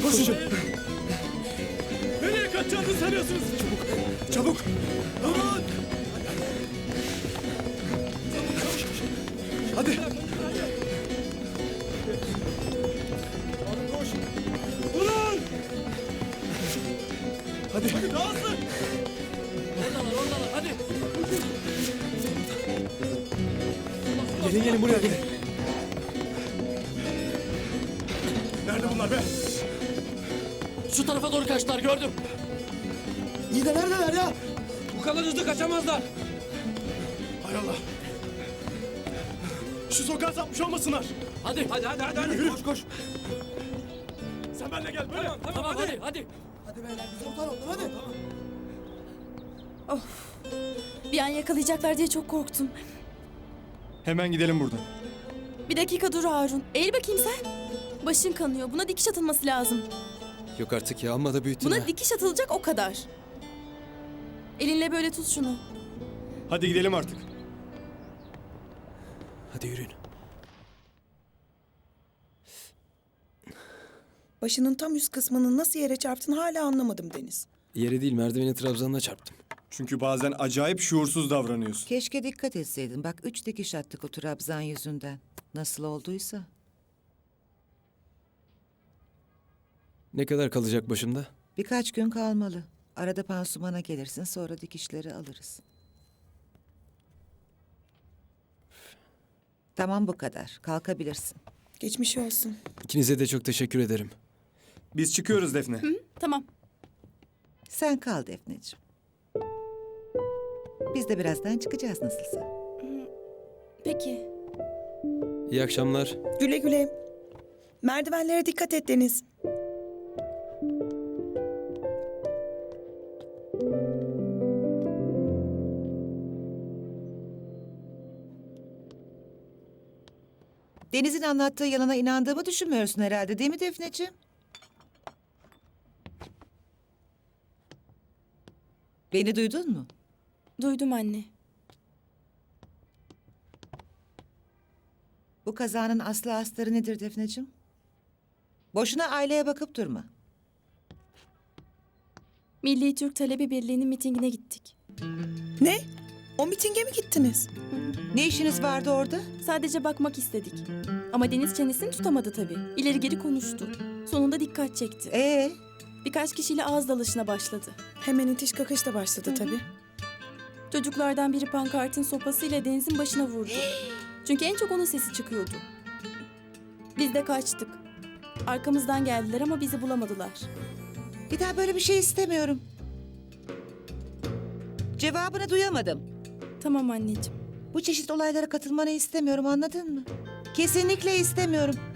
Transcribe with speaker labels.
Speaker 1: Koşun.
Speaker 2: Nereye kaçacağınızı sanıyorsunuz?
Speaker 1: Çabuk.
Speaker 2: Durun!
Speaker 1: Hadi.
Speaker 2: Durun!
Speaker 1: Hadi.
Speaker 2: Daha hızlı!
Speaker 3: Oradalar hadi.
Speaker 1: Gelin buraya gelin.
Speaker 2: Nerede bunlar be?
Speaker 3: Şu tarafa doğru kaçtılar gördüm.
Speaker 1: İyi de neredeler ya?
Speaker 3: Bu kadar hızlı kaçamazlar.
Speaker 2: Hay Allah! Şu sokağa sapmış olmasınlar.
Speaker 3: Hadi.
Speaker 2: Yürü. Koş. Sen benimle gel böyle.
Speaker 3: Tamam hadi.
Speaker 1: Hadi beyler biz ortadan oldum hadi.
Speaker 4: Bir an yakalayacaklar diye çok korktum.
Speaker 1: Hemen gidelim buradan.
Speaker 4: Bir dakika dur Harun. Eğil bakayım sen. Başın kanıyor. Buna dikiş atılması lazım.
Speaker 1: Yok artık ya, amma da büyüttün
Speaker 4: Buna dikiş atılacak o kadar. Elinle böyle tut şunu.
Speaker 1: Hadi gidelim artık. Hadi yürüyün.
Speaker 5: Başının tam üst kısmının nasıl yere çarptığını hala anlamadım Deniz.
Speaker 6: Yere değil, merdiveni trabzanına çarptım.
Speaker 1: Çünkü bazen acayip şuursuz davranıyorsun.
Speaker 7: Keşke dikkat etseydin. Bak 3 dikiş attık o trabzan yüzünden. Nasıl olduysa.
Speaker 6: Ne kadar kalacak başımda?
Speaker 7: Birkaç gün kalmalı. Arada pansumana gelirsin, sonra dikişleri alırız. Tamam, bu kadar. Kalkabilirsin.
Speaker 5: Geçmiş olsun.
Speaker 6: İkinize de çok teşekkür ederim.
Speaker 1: Biz çıkıyoruz Defne.
Speaker 4: Tamam.
Speaker 7: Sen kal Defneciğim. Biz de birazdan çıkacağız nasılsa.
Speaker 4: Peki.
Speaker 6: İyi akşamlar.
Speaker 5: Güle güle. Merdivenlere dikkat et Deniz.
Speaker 7: Deniz'in anlattığı yalana inandığımı düşünmüyorsun herhalde, değil mi Defneciğim? Beni duydun mu?
Speaker 4: Duydum anne.
Speaker 7: Bu kazanın aslı astarı nedir Defneciğim? Boşuna aileye bakıp durma.
Speaker 4: Milli Türk Talebi Birliği'nin mitingine gittik.
Speaker 5: Ne? O mitinge mi gittiniz?
Speaker 7: Ne işiniz vardı orada?
Speaker 4: Sadece bakmak istedik. Ama Deniz çenesini tutamadı tabii. İleri geri konuştu. Sonunda dikkat çekti.
Speaker 7: Birkaç
Speaker 4: Birkaç kişiyle ağız dalışına başladı.
Speaker 5: Hemen itiş kakış da başladı tabii.
Speaker 4: Çocuklardan biri pankartın sopasıyla Deniz'in başına vurdu. Çünkü en çok onun sesi çıkıyordu. Biz de kaçtık. Arkamızdan geldiler ama bizi bulamadılar.
Speaker 7: Bir daha böyle bir şey istemiyorum. Cevabını duyamadım.
Speaker 4: Tamam anneciğim.
Speaker 7: Bu çeşit olaylara katılmanı istemiyorum, anladın mı? Kesinlikle istemiyorum.